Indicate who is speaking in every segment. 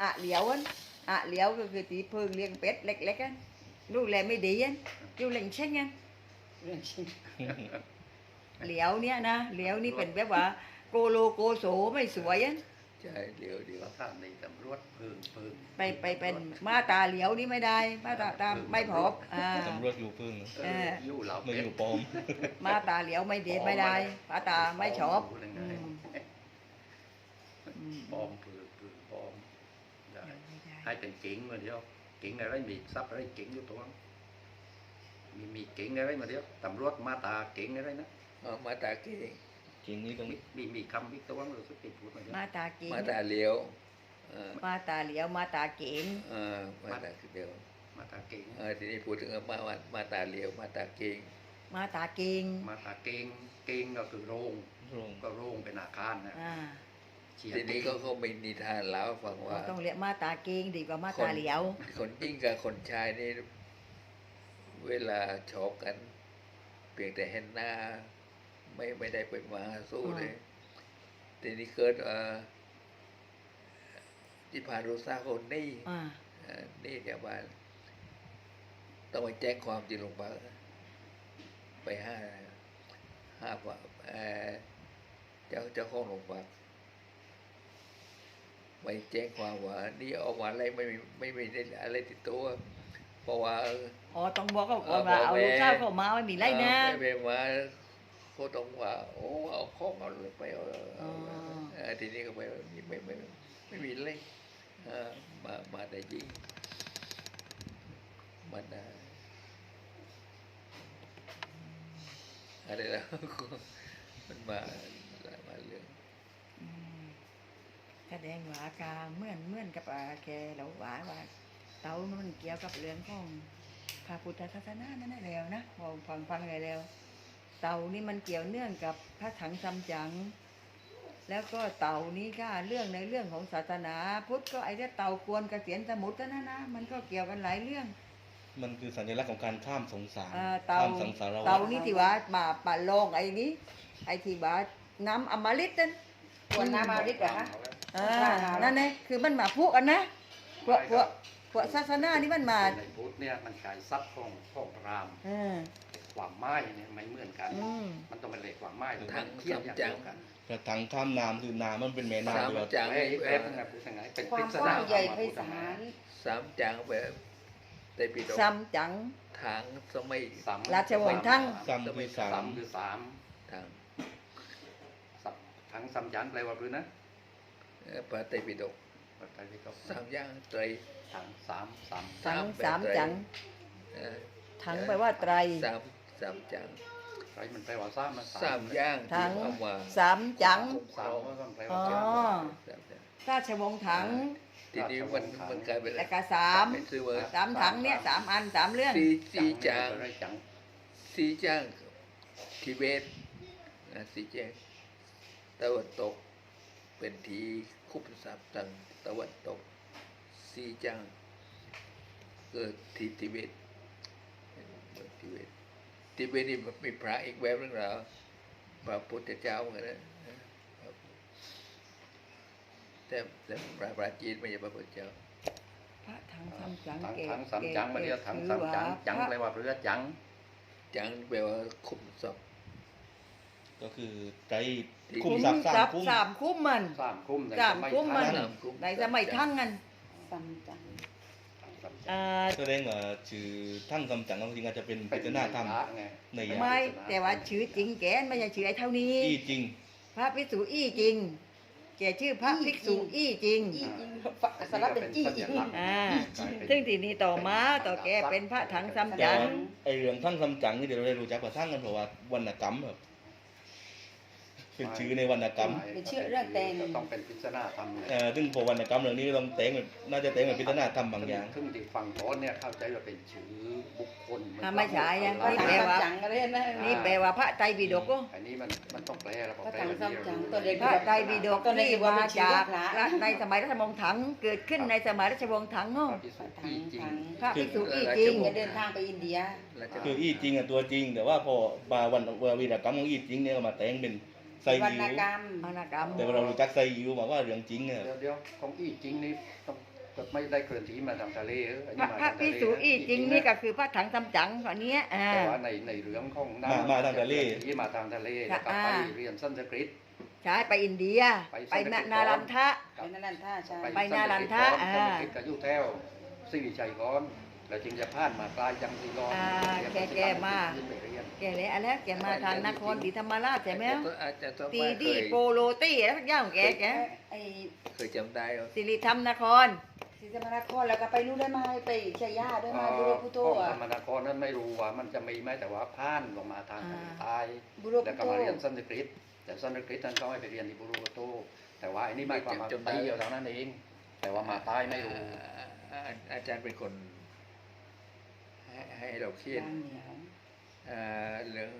Speaker 1: อะเหลียวอันอะเหลียวก็คือตีเพิ่งเลี้ยงเป็ดเล็กๆอันลูกแลไม่ดีอันอยู่เล่งเช่งอัน
Speaker 2: เรื่องจริง
Speaker 1: เหลียวเนี่ยนะเหลียวนี่เป็นแบบว่าโกโลโกโสไม่สวยอัน
Speaker 3: ใช่เดี๋ยว
Speaker 4: เราท่านในตำรวจเพิ่ง
Speaker 1: ไปเป็นมาตาเหลียวนี่ไม่ได้มาตาไม่พอบ
Speaker 5: ตำรวจอยู่พึ่ง
Speaker 4: ยู่เรา
Speaker 5: ไม่อยู่ปลอม
Speaker 1: มาตาเหลียวไม่เด็ดไม่ได้มาตาไม่ชอบ
Speaker 4: ปอมเพิ่งปอมได้ให้เป็นเก่งมาเดียวเก่งอะไรมีทรัพย์อะไรเก่งอยู่ตัวมีเก่งอะไรมาเดียวตำรวจมาตาเก่งอะไรนะ
Speaker 3: มาตาเก่ง
Speaker 5: จริงนี่ต้อง
Speaker 4: มีคำวิตัวมันรู้สึกติดพูดมาเดียว
Speaker 1: มาตาเก่ง
Speaker 3: มาตาเลี้ยว
Speaker 1: มาตาเหลียวมาตาเก่ง
Speaker 3: มาตาเลี้ยว
Speaker 4: มาตาเก่ง
Speaker 3: ทีนี้พูดถึงมาตาเลี้ยวมาตาเก่ง
Speaker 1: มาตาเก่ง
Speaker 4: มาตาเก่งเก่งก็คือโรง
Speaker 5: ลง
Speaker 4: ก็โรงเป็นอาคารนะ
Speaker 3: ทีนี้ก็มีนิทานเล่าฟังว่า
Speaker 1: ต้องเรียกมาตาเก่งดีกว่ามาตาเหลียว
Speaker 3: คนยิ่งกับคนชายนี่เวลาชอบกัน เพียงแต่เห็นหน้าไม่ได้ไปมาสู้เลยทีนี้เกิดที่ผ่านรู้ซาคนนี่นี่แกบ้านต้องไปแจ้งความที่โรงพยาบาลไปห้าว่าเจ้าของโรงพยาบาลไปแจ้งความว่านี่ออกมาอะไรไม่มีอะไรติดตัวเพราะว่า
Speaker 1: อ๋อต้องบอกเขาก่อนว่าเอาลูกสาวเข้ามาไม่มีไรนะ
Speaker 3: ไม่มาเขาต้องว่าโอ้เอาของเอาเลยไปทีนี้ก็ไม่มีเลยมาได้ยิงมันอะไรแล้วมันมาเรื่อง
Speaker 1: แสดงว่ากาเหมือนกับแกเราว่าเตามันเกี่ยวกับเรื่องของพระพุทธศาสนานั่นแหละแล้วนะพอฟังอะไรแล้วเตานี่มันเกี่ยวเนื่องกับพระถังซัมจั๋งแล้วก็เต่านี้ก็เรื่องในเรื่องของศาสนาพุทธก็ไอ้เต่ากวนเกษียณสมุทรนะมันก็เกี่ยวกันหลายเรื่อง
Speaker 5: มันคือสัญลักษณ์ของการข้ามสงสาร
Speaker 1: เต่า
Speaker 5: ข้ามสังสารวัฏ
Speaker 1: เต่านี่ที่ว่ามาป่าลองไอ้นี้ไอ้ที่ว่าน้ำอมฤตนั่น
Speaker 2: ควรน้ำมาดิบเหรอคะ
Speaker 1: นั่นไงคือมันมาพูกกันนะพวกศาสนานี่มันมา
Speaker 4: ในพุทธเนี่ยมันกายทรัพย์ของพรามความไม้เนี่ยไม่เหมือนกันมันต้องเป็นเหล็กความไม้ทางเทียบอย่างเดียวกัน
Speaker 5: กระถังข้ามน้ำคือน้ำมันเป็นแม่น้ำด้วย
Speaker 3: จัง
Speaker 4: เอ๊ะพูดยังไงเป็น
Speaker 2: ความกว้างใหญ่ไพศาล
Speaker 3: สามจังแบบได้ปีดก
Speaker 1: ซัมจั๋ง
Speaker 3: ทางสมัย
Speaker 1: ราชวงศ์ทั้ง
Speaker 5: ซ้ำคือสา
Speaker 4: สาม มคือสาม
Speaker 3: ทาง
Speaker 4: ทั้งสามยันแปลว่าพื้นนะ
Speaker 3: พระไตรปิฎก
Speaker 4: ปัจจัยที่เขา
Speaker 3: สามย่างไตร
Speaker 4: ทั้งสาม
Speaker 1: ทั้งสามจั๋ง
Speaker 3: เอ่อ
Speaker 1: ถังแปลว่าไตร
Speaker 3: สามจัง
Speaker 4: ไรมันแปลว่าสามมัน
Speaker 3: สามย่าง
Speaker 1: ถัง
Speaker 3: ที่เอามา
Speaker 1: สามจั๋ง
Speaker 4: สามมันต้องแปล
Speaker 1: อ๋
Speaker 4: ว่า
Speaker 1: อ
Speaker 4: จัง
Speaker 3: สามจัง
Speaker 1: ราชวงศ์ถัง
Speaker 3: ทีนี้มันกลายเป็น
Speaker 1: แล้วก็สาม
Speaker 3: เป็นชื่อว่า
Speaker 1: สามถังเนี่ยสามอันสามเรื่อง
Speaker 3: สี่จัง
Speaker 4: ไรจัง
Speaker 3: สี่จังทิเบตสี่จังตะวันตกเป็นทีคุปสามตังตะวันตกสี่จังเกิดที่ทิเบตทิเบตนี่มีพระอีกแบบนึงเหรอพระพุทธเจ้าเหมือนกันนะแต่พระจีนไม่ใช่พระพุทธเจ้า
Speaker 1: พระถังซัมจั๋ง
Speaker 4: ทั้งสามจังมาเดียวทั้งสามจังจังแปลว่าเรือจัง
Speaker 3: จังแปลว่าคุมศพ
Speaker 5: ก็คือไตร
Speaker 1: คุ้
Speaker 5: คุ้ม
Speaker 1: ม
Speaker 5: ทรัพย์
Speaker 1: ทรั
Speaker 5: สาม
Speaker 1: พย์
Speaker 5: คุ้ม
Speaker 1: สามคุ้มมัน
Speaker 4: สามคุ้ม
Speaker 1: สามคุ้มมัน ในสมัยทั้งกัน
Speaker 2: ซัมจัง
Speaker 5: แสดงว่าชื่อทั้งคำจังจริงๆอาจจะเป็นปริศนาธรรมในอย่าง
Speaker 1: ไม่แต่ว่าชื่อจริงแกไม่ใช่ชื่อไอ้เท่านี้
Speaker 5: ที่จริง
Speaker 1: พระภิกษุอี้จริง แกชื่อพระภิกษุอี้จริง
Speaker 2: อีจริงฝักสลับเป็นจี้จริง
Speaker 1: ซึ่งทีนี้ต่อมาต่อแกเป็นพระถังซัมจั๋ง
Speaker 5: ไอเรื่องทั้งคำจังนี่เดี๋ยวเราได้รู้จักว่าทั้งกันเพราะว่าวรรณกรรมครับเป็นชื่อในวรรณกรรม
Speaker 2: เป็นชื่อเรื่องแต่ง
Speaker 4: ต้องเป็นพิจารณาธรรม
Speaker 5: ซึ่งพอวรรณกรรมเรื่องนี้ต้องแต่งแบบน่าจะแต่งแบบพิจารณาธรรมบางอย่าง
Speaker 4: ซึ่งที่ฟังโอนเนี่ยเข้าใจว่าเป็นชื่อบุคคล
Speaker 1: ไม่ใช่นะ
Speaker 2: พระ
Speaker 1: นี่
Speaker 2: ถัง
Speaker 1: แปล
Speaker 2: ซัม
Speaker 1: ว่า
Speaker 2: จังก็เลยนะ
Speaker 1: นี่แปลว่าพระไตรปิฎกก็
Speaker 4: อันนี้มันต้องแปลแล้ว
Speaker 2: พระถังซัมจังตัวเด็ก
Speaker 1: พระไตรปิฎก
Speaker 2: ตัวเด็ก
Speaker 1: ที่
Speaker 2: ว่า
Speaker 1: มา
Speaker 2: เป็นชื่อ
Speaker 1: จาก
Speaker 2: พระ
Speaker 1: ในสมัยราชวงศ์ถังเกิดขึ้นในสมัยราชวงศ์ถังเนาะ
Speaker 4: พิสุ
Speaker 2: ถั
Speaker 4: ที่
Speaker 2: ง
Speaker 4: จริง
Speaker 2: ถัง
Speaker 1: พระภิกษุอี้จริง
Speaker 2: จะเดินทางไปอินเดีย
Speaker 5: คืออี้จริงตัวจริง แต่ว่าพอบาวันวีรกรรมของอี้จริงเนี่ยก็มาแต่งเป็นไซ
Speaker 2: วร
Speaker 5: ยิ
Speaker 2: รณ
Speaker 5: ว
Speaker 2: กรรม
Speaker 1: วรรณกรรม
Speaker 5: แต่ว่าเรารู้จักไซยิวมาว่าเรื่องจริงเนี่ย
Speaker 4: เดี๋ยวของอี้จริงนี่ต้องไม่ได้เคลื่อนที่มาทางทะเลอัน
Speaker 1: พ
Speaker 4: นี้
Speaker 1: ระ
Speaker 4: มา
Speaker 1: พระ
Speaker 4: ทาง
Speaker 1: พิ
Speaker 4: ทะเล
Speaker 1: สุ
Speaker 4: นะ
Speaker 1: อีจริงนี่ก็คือพระถังซัมจั๋งคนเนี้ย
Speaker 4: แต่ว่าในเรื่องของ
Speaker 5: มาทางทะเล
Speaker 4: ที่มาทางทะเลแล้วก็ไปเรียนสันสกฤต
Speaker 1: ใช่ไปอินเดีย ไปนารันทะ
Speaker 2: เป็นนั่นท่าใช่
Speaker 1: ไปนารันทะ
Speaker 4: สันสกฤตกับยุแถวสิริชัยก่อนแล้วจึงจะผ่านมาปลายจังสีรอน
Speaker 1: แกมา แกเลยอะไรแกมาทางนครศรีธรรมราชใช่ไหม
Speaker 3: อาจจะต้อง
Speaker 1: ตี
Speaker 3: ว่าเค
Speaker 1: ดี
Speaker 3: ย
Speaker 1: โปโลตี้แล้วทุกอย่างของแก
Speaker 2: ไอ้
Speaker 3: เคยจำได้เหรอ
Speaker 1: สิริธรรมนคร
Speaker 2: ศรีธรรมราชแล้วก็ไปนู่นได้มาไปชัยยาด้วยมาบุโรพุโต
Speaker 4: ของ
Speaker 2: อ่ะ
Speaker 4: ธรรมนครนั้นไม่รู้ว่ามันจะมีไหมแต่ว่าผ่านลงมาทางทะเลใต้
Speaker 2: บุโร
Speaker 4: แล้
Speaker 2: พุ
Speaker 4: วก็
Speaker 2: โต
Speaker 4: มาเรียนสันสกฤตแต่สันสกฤตนั้นเขาให้ไปเรียนที่บุรุษโตแต่ว่าอันนี้ไม่ความมาตีเอาเท่านั้นเอง แต่ว่ามาใต้ไม่รู้
Speaker 3: อาจารย์เป็นคนให้เราเขียน
Speaker 2: ยางเหนียว
Speaker 3: เรื่อง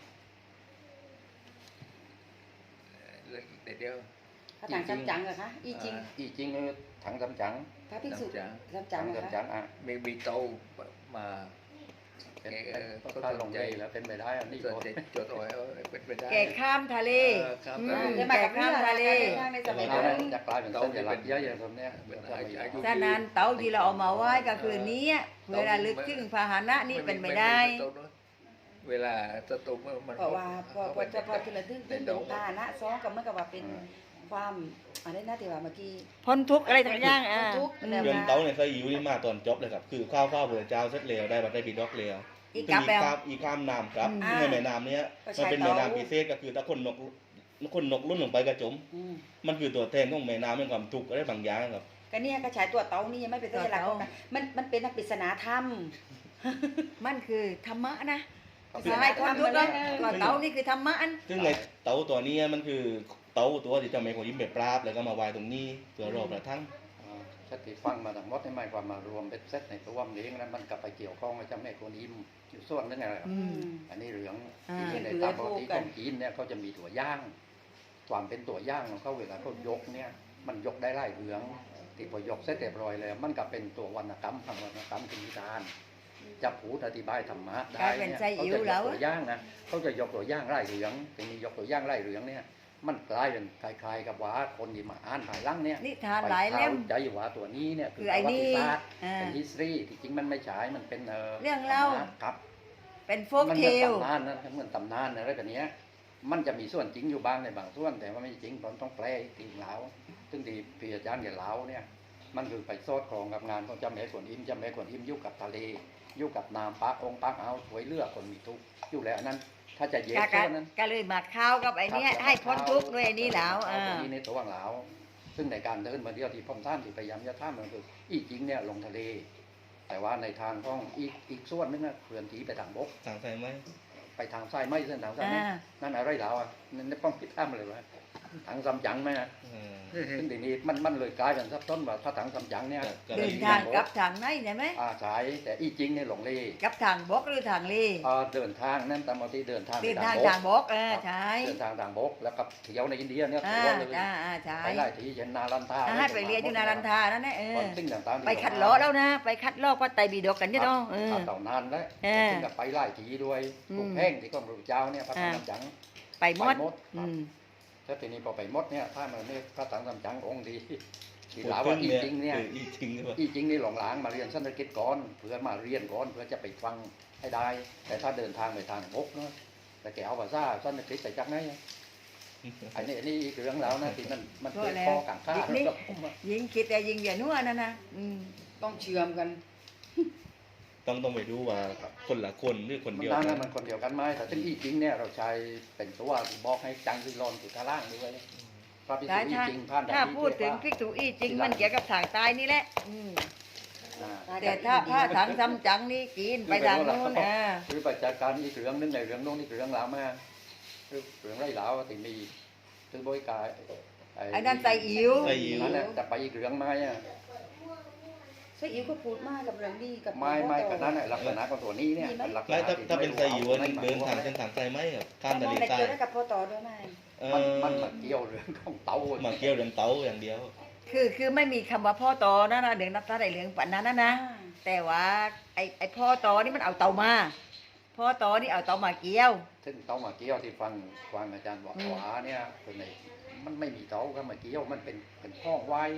Speaker 3: เดี๋ยว
Speaker 2: พระถังซัมจั๋งเหรอคะอีจริง
Speaker 4: อีจริงถังจำจัง
Speaker 2: พระภิกษุ
Speaker 3: ซัมจั๋ง
Speaker 2: ซัมจั๋
Speaker 4: ถั
Speaker 2: ง
Speaker 4: ง
Speaker 2: เหรอ
Speaker 4: จำจั
Speaker 2: คะ
Speaker 4: งอ่ะ
Speaker 3: มีโตมา
Speaker 4: ก็ถ้าลงใจแล้วเป็นไปได้อันนี้
Speaker 3: ส่วน
Speaker 4: ก็
Speaker 3: จะจดเอาไว้เป็นไปได้
Speaker 1: แกข้ามทะเล
Speaker 3: ครับ
Speaker 2: ได้มากับข้ามทะเลในสมัยนั้น
Speaker 4: จะกลายเป็นสัญลักษณ์เยอะอย่างผมเนี่ย
Speaker 1: ฉะนั้นเต๋าที่เราเอามาไหว้ก็คือนี้เวลาลึกถึงพาหนะนี่เป็นไม่ได้
Speaker 3: เวลาสตูมัน
Speaker 2: เพราะว่าพอจะพอทีละดึงเป็นพาหนะซ้อนกับเมื่อกับว่าเป็นความอะไรนะที่ว่าเมื่อกี้
Speaker 1: พ้นทุกข์อะไรต่างอย่าง
Speaker 2: พ้นทุกข์ แล้ว
Speaker 5: เรื่องเต้าเนี่ยใส่อิ๋วนี่มาตอนจบเลยครับคือข้าวเบื่อเจ้าเสร็จแล้วได้บัตรได้บิดอกแล้ว
Speaker 1: อีกกับแล้ว
Speaker 5: อีข้ามน้ำครับ
Speaker 1: อืม
Speaker 5: ในแม่น้ำเนี้ยมันเป็นแม่น้ำพิเศษก็คือถ้าคนนกลุ่นลงไปกระจม มันคือตัวแทนของแม่น้ำเป็นความทุกข์อะไรบางอย่างครับ
Speaker 2: ก็เนี่ยก็ฉายตัวเต๋านี่ยังไม่เป็นสัญลักษณ์ของมันเป็นนักปริศนาธรรม
Speaker 1: มันคือธรรมะนะสายพ้นทุกข์แล้วก็เต๋านี่คือธรรมะอัน
Speaker 5: ซึ่งในเต้าตัวนี้มันคือเต้าตัวที่จะไม่คนยิ้มแบบปราบแล้วก็มาไว้ตรงนี้เพื่อรอกระทั่ง
Speaker 4: สติฟังมาทั้งหมดในหมายความมารวมเป็นเซตในตัวมันเองนั้นมันกลับไปเกี่ยวข้องกับเจ้าแม่กวนอิมอยู่ส่วนนึงไงครับ อันนี้เหลืองที่ในตามปกติของจีนเนี่ยเขาจะมีตัวย่างความเป็นตัวย่างของเขาเวลาเขายกเนี่ยมันยกได้ไล่เหลืองที่พอยกเสร็จเรียบร้อยแล้วมันก็เป็นตัววรรณกรรมทางวรรณกรรมคือนิทานจะพูดอธิบายธรรมะได้เนี่ยเขาจะยกตัวย่างนะเขาจะยกตัวย่างไล่เหลืองทีนี้ยกตัวย่างไล่เหลืองเนี่ยมันกลายเป็นคล้ายๆกับว่าคนที่มาอ่านภายหลังเนี่ย
Speaker 1: นิทานหลายเล่ม
Speaker 4: ใจว่าตัวนี้เนี่ย
Speaker 1: คือไอ้นี่
Speaker 4: ประวัติศาสตร์
Speaker 1: อ่า
Speaker 4: เป็น history ที่จริงมันไม่ใช่มันเป็น
Speaker 1: เรื่องเล่า
Speaker 4: ครับ
Speaker 1: เป็นโฟก
Speaker 4: มัน
Speaker 1: เท
Speaker 4: เหมือน
Speaker 1: ล
Speaker 4: ตำนานนะเหมือนตำนานอะไรแบบเนี้ยมันจะมีส่วนจริงอยู่บ้างในบางส่วน แต่ว่าไม่จริงผมต้องแปลตีเหลาซึ่งที่พี่อาจารย์แกเหลาเนี่ยมันคือไปโซดครองกับงานของเจ้าแม่กวนอิมเจ้าแม่กวนอิมอยู่กับทะเลอยู่กับน้ำปักองค์ปักเอาสวยเลือกคนมีทุกข์อยู่แล้วอันนั้น ถ้าจะเย็น
Speaker 1: ก็
Speaker 4: ส่วนนั้น
Speaker 1: ก็เลยมาเข้ากับไอ้เนี้ยให้พ้นทุกข์ด้วยไอ้นี่แล้ว
Speaker 4: เอาตัวนี้ในตัวเหลาซึ่งในการเดินมาเดียวที่พ่อท่านที่พยายามจะท่ามมันคืออีจริงเนี่ยลงทะเล แต่ว่าในทางของอีกส่วนนึงนะเคลื่อนที่ไปทางบก
Speaker 5: สั่งใส่ไหม
Speaker 4: ไปทางซ้ายไม่เส้นทางซ้ายไม่นั่นอะไรเหลาอ่ะนั่นป้องพิดท่ามเลยวะถังซัมจั๋งไหมนะซึ่งทีนี้มันเลยกลายเป็นซับซ้อนว่าถ้าถังซัมจั๋งเนี่ย
Speaker 1: เดินทางกลับทางไหนใช่ไหม
Speaker 4: ใช่แต่อีจริงเนี่ยหลงเล
Speaker 1: กลับทางบกหรือทางเล
Speaker 4: เดินทางนั่นตามปกติเดินทาง
Speaker 1: เดินทางทางบกใช่
Speaker 4: เดินทางทางบกแล้วก็เที่ยวในอินเดียเนี่ย
Speaker 1: อ่า
Speaker 4: ทัวร์เลย
Speaker 1: ใช่
Speaker 4: ไปไล่ที่เช่นนารันทา
Speaker 1: ให้ไปเรียนอยู่นารันทานั่นแหละ
Speaker 4: สิ่งต่างๆ
Speaker 1: ไปคัดล้อแล้วนะ ไปคัดล้อก็ไตรปิฎกกันเนี่ยเนาะ
Speaker 4: ต่านานแล้ว
Speaker 1: เออ
Speaker 4: ซึ่งกับไปไล่ทีด้วยทุกแพ่งที่กรมหลวงเจ้าเนี่ยพระถังซัมจั๋ง
Speaker 1: ไปหมด
Speaker 4: แล้วทีนี้พอไปมดเนี่ยถ้ามันนี่พระถังซัมจั๋งองค์ดีที่หลาว่าอีจริงเนี่ย
Speaker 5: อีจริงหรือเปล่า
Speaker 4: อีจริงนี่หลงหลางมาเรียนสันสกฤตก่อนเพื่อมาเรียนก่อนเพื่อจะไปฟังให้ได้ แต่ถ้าเดินทางไปทางบกเนาะแต่แกเอาภาษาสันสกฤตไปจากไหนอันนี้อีกเรื่องแล้วนะที่มันเกิดข้อกังขา
Speaker 1: ยิงคิดแต่ยิงอย่านัวนั่นนะ
Speaker 2: ต้องเชื่อมกัน
Speaker 5: ต้องไปดูว่าคนละคนหรือคน
Speaker 4: มัน
Speaker 5: เดียว
Speaker 4: ตั้ง
Speaker 5: กั
Speaker 4: นั้น นมันคนเดียวกันไหมแต่ซึ่งอีจริงเนี่ยเราใช้เป็นตัวบอกให้จังที่รอนอยู่ข้างล่างด้วยพระพิสุ
Speaker 1: ได้
Speaker 4: อี
Speaker 1: ถ้า
Speaker 4: จริงผ่าน
Speaker 1: ถ้าพูดถึงพิกษุอีจริงมันเกี่ยวกับทางใต้นี่แหละแต่ถ้าพระถังซัมจั๋งนี่กินไปทางนู้น
Speaker 4: คือประจาการอีกเรื่องนึงในเรื่องโน้นนี่เรื่องราวมาคือเรื่องไรแล้วที่มีถึงบริการ
Speaker 1: ไอ้นั่นใส่อิ๋ว
Speaker 4: นั่นแหละแต่ไปอีกเรื่องไม้อะ
Speaker 2: ไส้อิ๋วก็พูดมากกับเรื่องดีกับ
Speaker 4: ไม่กันนั้นลักษณะของตัวนี้เนี่ยลักษ
Speaker 5: แล้ว
Speaker 4: ณะ
Speaker 5: ถ้าเป็นไซอิ๋วเดินทางเส้นทางไซไหมครับข้ามทะเล
Speaker 2: ได้
Speaker 5: ใต้
Speaker 2: เจอได้กับพ่อต่อด้วยไหม
Speaker 4: มันมาเกี่ยวเรื่องของเตา
Speaker 5: มาเกี่ยวเรื่องเต้าอย่างเดียว
Speaker 1: คือไม่มีคำว่าพ่อตอนะเดี๋ยวนับตาได้เรื่องปันนั้นนะ แต่ว่าไอ้พ่อตอนี่มันเอาเตามาพ่อตอนี่เอาเตามาเกี่ยว
Speaker 4: ซึ่งเตามาเกี่ยวที่ฟังอาจารย์บอกว่าเนี่ยคือในมันไม่มีเตาก็มาเกี่ยวมันเป็นห้องไว้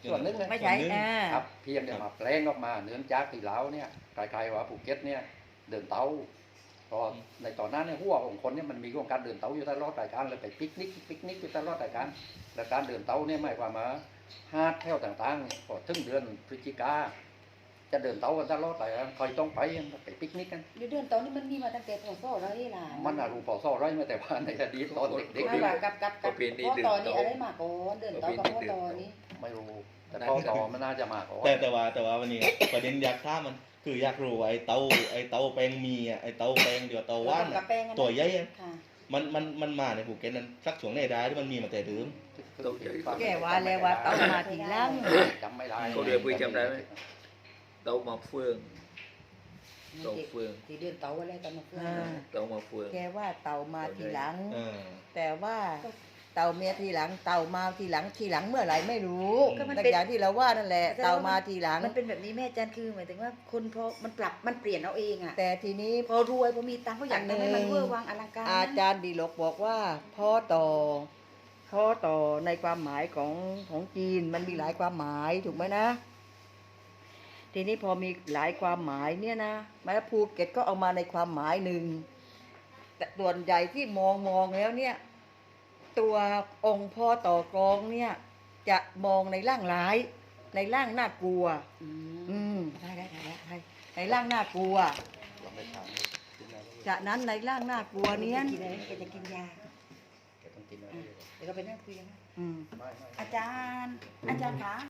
Speaker 4: ส่วนหนึงนะ
Speaker 1: ไม่ใช่อ่า
Speaker 4: ครับเพียงแต่มาแปลงออกมาเนื่องจากที่ลาวเนี่ยคล้ายๆว่าภูเก็ตเนี่ยเดินเตาเพราะในตอนนั้นเนี่ยหัวของคนเนี่ยมันมีโครงการเดินเตาอยู่ตลอดรายการเลยไปปิกนิกอยู่ตลอดรายการและการเดินเตาเนี่ยหมายความว่าหาดแถวต่างๆเนี่ยพอถึงเดือนพฤศจิกาจะเดินเตากันตลอดรายการใครต้องไปปิกนิกกัน
Speaker 2: เดือนตอนนี้มันมีมาตั้งแต่พศอะไรล่ะ
Speaker 4: มันอารูปอซ่อไรมาแต่ว่าในอดีตตอนเด็ก
Speaker 2: ไม่ว่ากับพ่อตอนนี้อะไรมาก่อนเดินเตากับพ่อตอนนี้
Speaker 4: ๆไม่รู้แต่พ่อต่อมันน่าจะมากกว่า
Speaker 5: แต่ว่าวันนี้ ประเด็นอยากถามมันคืออยากรู้ว่าไอ้เตาแปลงมีอ่ะไอ้เตาแปลงเดี๋ยวเตาว่าน
Speaker 2: กับ
Speaker 5: อะ
Speaker 2: แป้งอะนะ
Speaker 5: ตัวใหญ่อะ
Speaker 2: ค่ะ
Speaker 5: มันมาในภูเก็ตนั้นสักช่วงไหนได้ที่มันมีมาแต่เดิม
Speaker 1: แกว่าแล้วว่าเตามาทีหลัง
Speaker 4: จำไม่ได้
Speaker 3: เขาเรียกปุ้ยจำได้ไหม เตามาเฟืองเตาเฟือง
Speaker 2: ที่เดินเตาอะไรกันมาเพื่อน
Speaker 1: อ่า
Speaker 3: เตามาเฟือง
Speaker 1: แกว่าเตามาทีหลัง
Speaker 5: เออ
Speaker 1: แต่ว่าเตาเมียทีหลังเตามาทีหลังเมื่อไหร่ไม่รู้
Speaker 5: ก็มัน
Speaker 1: แต่
Speaker 2: เป็น
Speaker 1: อย่างที่เราว่านั่นแหละเตามาทีหลัง
Speaker 2: มันเป็นแบบนี้แม่จันคือหมายถึงว่าคนพอมันปรับมันเปลี่ยนเอาเองอ่ะ
Speaker 1: แต่ทีนี้
Speaker 2: พอรวยพอมีตังค์เขาอยากทำให้มันเวอร์วังอลังการ
Speaker 1: อาจารย์ดีลกบอกว่าพ่อต่อในความหมายของจีนมันมีหลายความหมายถูกไหมนะ ทีนี้พอมีหลายความหมายเนี่ยนะมาภูเก็ตก็เอามาในความหมายหนึ่งแต่ส่วนใหญ่ที่มองแล้วเนี่ย ตัวองค์พ่อต่อกรองเนี่ย จะมองในร่างร้าย ในร่างน่ากลัว ได้ในร่างน่ากลัว
Speaker 4: ลองไปถามดูกินอะไร
Speaker 1: จากนั้นในร่างน่ากลัวเนี้ย
Speaker 2: กินอะไรแกจะกินยา
Speaker 4: แกต้องกินอะไร
Speaker 2: เดี๋ยวก็ไปนั่งคุยกันนะ
Speaker 1: อืม
Speaker 4: ไม่
Speaker 2: อาจารย์คะ